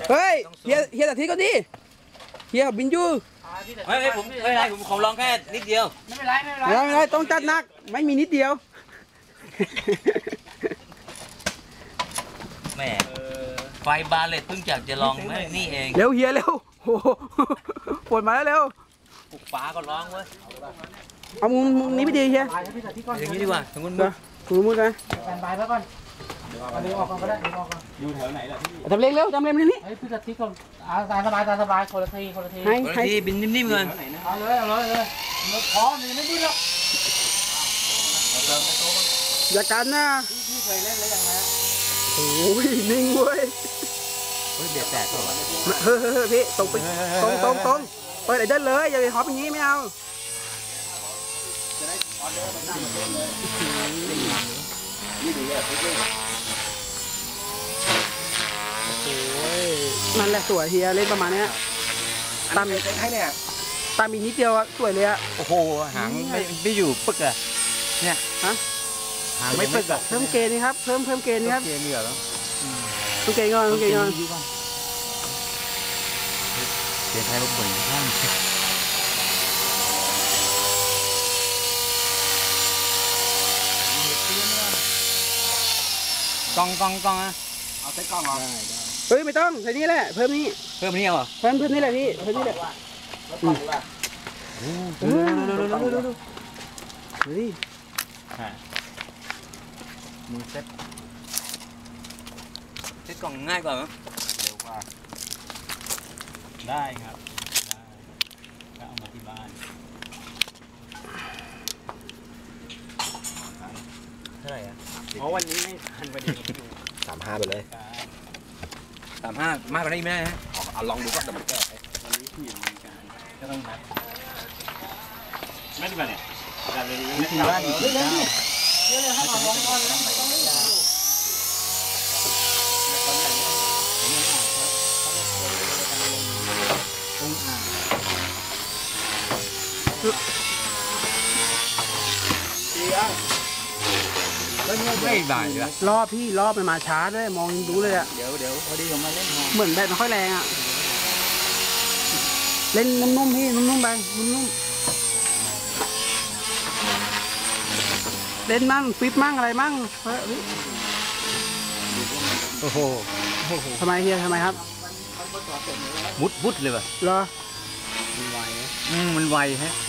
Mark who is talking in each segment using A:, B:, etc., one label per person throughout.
A: เฮ้ยเฮียตัดทีก็ดิเฮียบินยู
B: ไม่ผมไม่เป็นไรผมขอลองแค่นิดเดียว
A: ไม่เป็นไรต้องจัดหนักไม่มีนิดเดียว
B: แม่ไฟบาเลตเพิ่งอยากจะลองแม่นี่เอง
A: เร็วเฮียเร็วโอ้ปวดมาแล้วเร็ว
B: ปลุกฟ้าก็ร้องเว้ย
A: เอามุมนี้ไปดีเฮีย
B: อย่างนี้ดีกว่าสมมติ
A: มุดนะ
C: แฟนบายแล้วก่อนเดี๋ยวออกก่อนก็ได้เดี๋ยวออกก่อน
D: อยู่แถวไหนล่ะพี่
A: ทำเร็วเร็วทำเร็วนี่
C: ไอ้พี่ตัดที่ก่อนตาสบายคนละที
A: ให้
B: บินนิ่มๆเงิน
C: เอาเลยพร้อมยังไม่ดิ้นหรอก
A: อย่ากันนะ
C: พี่เคยเล่นแล้วยังไง
A: โอ้ยนิ่งเว้ย
B: เบียดแตกก่อน
A: เฮ้ยพี่ตรงไปตรงเปิดไอ้เดินเลยอย่าไปฮอปอย่างนี้ไม่เอามันแหละสวยเฮียเล่นประมาณนี้ตาม
D: ให้เนี่ย
A: ตามอีกนิดเดียวสวยเลยอะ
B: โอ้โหหางไม่อยู่ปึกอะเนี่ย
A: ฮะ
B: หางไม่ปึกอะ
A: เพิ่มเกณฑ์นี่ครับเพิ่มเกณฑ์นี่ครับ
B: เกณฑ์เหลือแล้ว
A: เพิ่มเกณฑ์ก่อนเกณฑ์
B: ไทยลบบ่อยข้างกองอะ
D: เอาใส่กล้องเหรอ
A: เฮ้ยไม่ต้องใส่นี่แหละเพิ่มนี่
B: เหรอ
A: เพิ่มนี่แหละพี่เพิ่มนี่แหละเฮ้ย
B: มือเซ็ตกล่องง่ายกว่ามั้ย
D: เร็วกว่าได้ครับได้ก็เอามาที่บ้าน
B: เท่าไหร่อะ
D: เพราะวันนี้ไม่ทันพอดี
B: 35ไปเลย35มากกว่านี้ไม่ได้ฮะ
D: เอาลองดูก่อนแต่มันแก้วันนี้ที่มีการก็ต้องนัดไม่ได้ป่ะเนี่ยการเรียนรู้ที่บ้านอีก
C: เดี๋ยวให้มาลองก่อนนะต้องไม่เอา
B: ไม่ได้เลย
A: รอบพี่รอบมันมาช้าด้วยมองดูเลยอะ
D: เดี๋ยวพอดีผมมาเล่น
A: เหมือนแบบไม่ค่อยแรงอะเล่นนุ่มๆพี่นุ่มๆไปนุ่มเล่นมั่งฟิปมั่งอะไรมั่ง
B: โอ้โห
A: ทำไมเฮียทำไมครับ
B: มุดเลยป่ะ
A: เหรอ
B: มันไวฮะ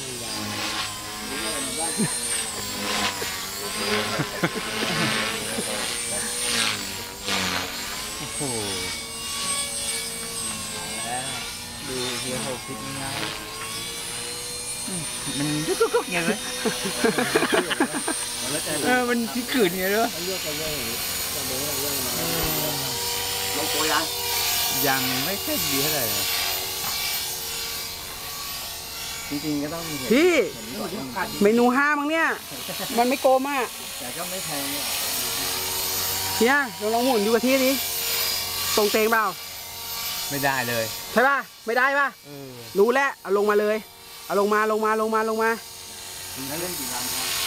B: โอ้โหดูเฮียเขาคิดง่ายมันกุ๊กไงเลยมันที่ขืนไงด้วย
D: ลงโปร
B: ยังไม่ค่อยดีเท่าไหร่
D: จริงๆก็ต้อง
A: พี่เมนู5มั้งเนี่ยมันไม่โกมอ่ะ
D: แต่ก็ไม่แพง
A: เฮียลองหมุนดูกะทิดิตรงเตงเปล่า
B: ไม่ได้เลย
A: ใช่ป่ะไม่ได้ป่ะรู้แล้วเอาลงมาเลยเอาลงมา
D: แล้วเล่นกี่ลำ